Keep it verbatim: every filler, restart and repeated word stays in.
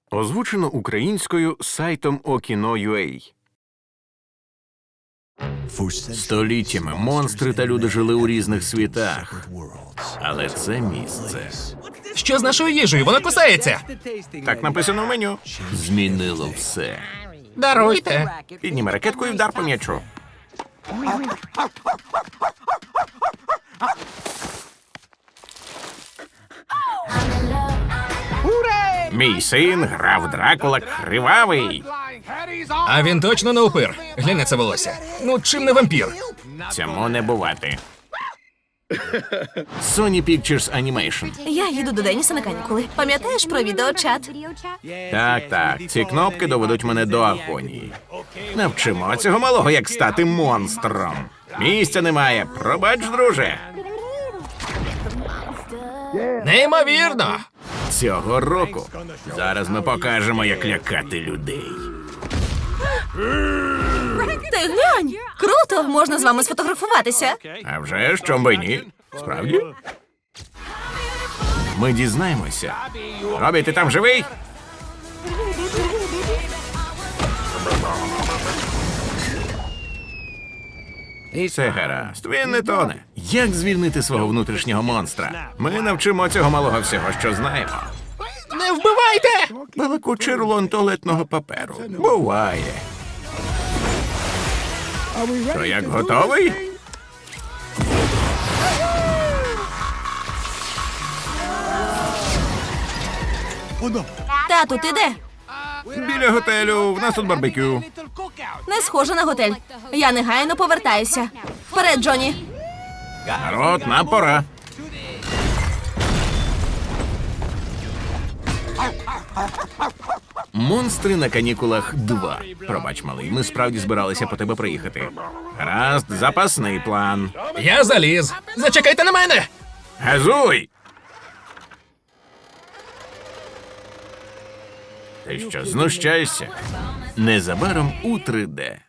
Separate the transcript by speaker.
Speaker 1: Озвучено українською сайтом Okino.ua. Століттями монстри та люди жили у різних світах. Але це місце
Speaker 2: Що з нашою їжею? Вона кусається.
Speaker 1: так написано в меню. Змінило все.
Speaker 2: Даруйте.
Speaker 1: Підніми ракетку і вдар по м'ячу. Мій син грав Дракула кривавий.
Speaker 2: А він точно не упир. Глянь на це волосся. Ну, чим не вампір?
Speaker 1: Цьому не бувати. Sony Pictures Animation.
Speaker 3: Я їду до Деніса на канікули. Пам'ятаєш про відеочат?
Speaker 1: Так, так, ці кнопки доведуть мене до агонії. Навчимо цього малого, як стати монстром. Місця немає. Пробач, друже.
Speaker 2: Неймовірно.
Speaker 1: Цього року. Зараз ми покажемо, як лякати людей.
Speaker 3: Ти глянь! Круто! Можна з вами сфотографуватися.
Speaker 1: А вже ж, чом би ні? Справді? Ми дізнаємося. Робі, ти там живий? Все гаразд, він не тоне. Як звільнити свого внутрішнього монстра? Ми навчимо цього малого всього, що знаємо.
Speaker 2: Не вбивайте!
Speaker 1: Балакучий рулон туалетного паперу. Буває. То як, готовий?
Speaker 3: Тату, ти де?
Speaker 1: Біля готелю, в нас тут барбекю.
Speaker 3: Не схоже на готель. Я негайно повертаюся. Вперед, Джоні!
Speaker 1: Народ, нам пора. Монстри на канікулах два. Пробач, малий, ми справді збиралися по тебе приїхати. Гаразд, запасний план.
Speaker 2: Я заліз. Зачекайте на мене!
Speaker 1: Газуй! Ти що, знущаєшся? Незабаром у три де.